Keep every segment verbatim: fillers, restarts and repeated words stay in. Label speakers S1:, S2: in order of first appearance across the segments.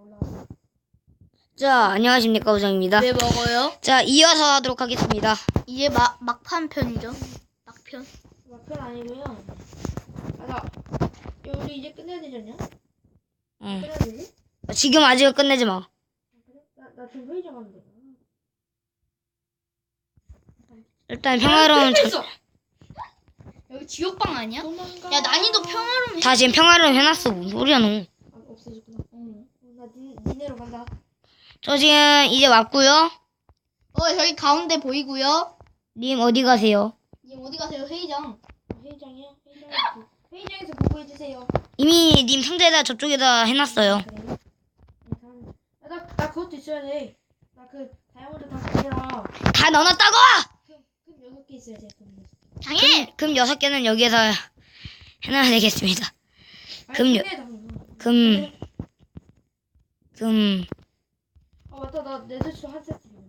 S1: 올라가.
S2: 자, 안녕하십니까, 우정입니다.
S3: 왜 먹어요?
S2: 자, 이어서 하도록 하겠습니다.
S3: 이제 막 막판 편이죠. 막편.
S1: 막편 아니고요. 아, 나 야, 우리 이제 끝내야 되지 않냐?
S2: 응.
S1: 끝내야 되지?
S2: 지금 아직 끝내지 마.
S1: 아, 그래? 나나 지금 회의 좀 하면 돼.
S2: 일단 평화로운 전...
S3: 있어. 여기 지옥방 아니야?
S1: 도망가.
S3: 야 난이도 평화로움.
S2: 다 지금 평화로운 해놨어. 뭔 소리야, 너.
S1: 아, 없어졌구나. 응. 나 니, 니네로 간다.
S2: 저 지금 이제 왔고요.
S3: 어 저기 가운데 보이고요.
S2: 님 어디 가세요?
S3: 님 어디 가세요? 회의장.
S1: 회의장이요? 회의장에서 회의장에서 보고해 주세요.
S2: 이미 님 상자에다 저쪽에다 해놨어요.
S1: 그래요? 야, 나, 나 그것도 있어야 돼. 나 그 다이아몬드 다 그거랑
S2: 다 넣어놨다고!
S1: 금, 금 여섯 개 있어야 돼. 금 여섯 개.
S3: 장애.
S2: 금 여섯 개는 여기에서 해놔야 되겠습니다.
S1: 아니,
S2: 금 여-
S1: 금에 다 넣어.
S2: 금, 금,
S1: 아 맞다, 나 네드스톤 한 세트 있는데.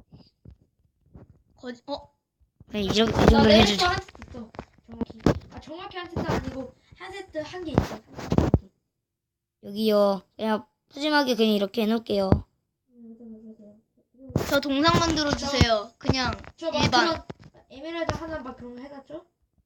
S3: 거지. 어.
S2: 네, 이 정도, 이
S1: 나
S2: 정도
S1: 네드스톤
S2: 해주죠.
S1: 한 세트 있어. 정확히. 아 정확히 한 세트 아니고 한 세트 한 개 있어. 한 세트 한 개.
S2: 여기요. 그냥 푸짐하게 그냥 이렇게 해놓을게요.
S1: 음, 맞아, 맞아, 맞아.
S3: 저 동상 만들어 주세요. 그냥
S1: 저막
S3: 일반.
S1: 그런 에메랄드 하나 막 그런 거 해놨죠?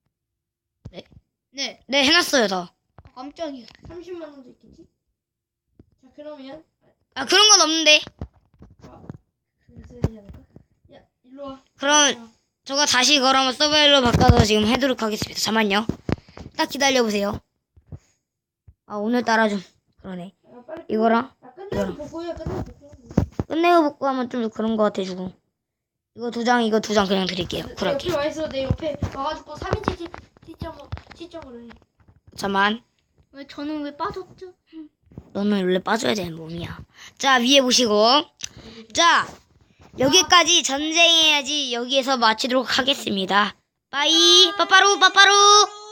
S3: 네.
S2: 네, 해놨어요, 다.
S3: 아, 깜짝이야.
S1: 삼십만 원도 있겠지? 자 그러면
S2: 아, 그런 건 없는데.
S1: 그거 써야 되지 않을까? 야 일로 와.
S2: 그럼 저가 다시 이걸 한번 서바일로 바꿔서 지금 해도록 하겠습니다. 잠만요. 딱 기다려보세요. 아, 오늘따라 좀 그러네.
S1: 야, 빨리
S2: 이거랑
S1: 야 끝내고
S2: 이거랑.
S1: 보고해. 끝내고 보고.
S2: 끝내고 복구하면 좀 그런 거 같아주고. 이거 두 장, 이거 두 장 그냥 드릴게요.
S1: 내
S2: 쿨하게.
S1: 옆에 와 있어. 내 옆에 와가지고 삼 인치 시점으로 시점으로 해.
S2: 잠만.
S3: 왜 저는 왜 빠졌죠?
S2: 너는 원래 빠져야 되는 몸이야. 자, 위에 보시고. 자, 여기까지 전쟁해야지 여기에서 마치도록 하겠습니다. 빠이, 빠빠루, 빠빠루.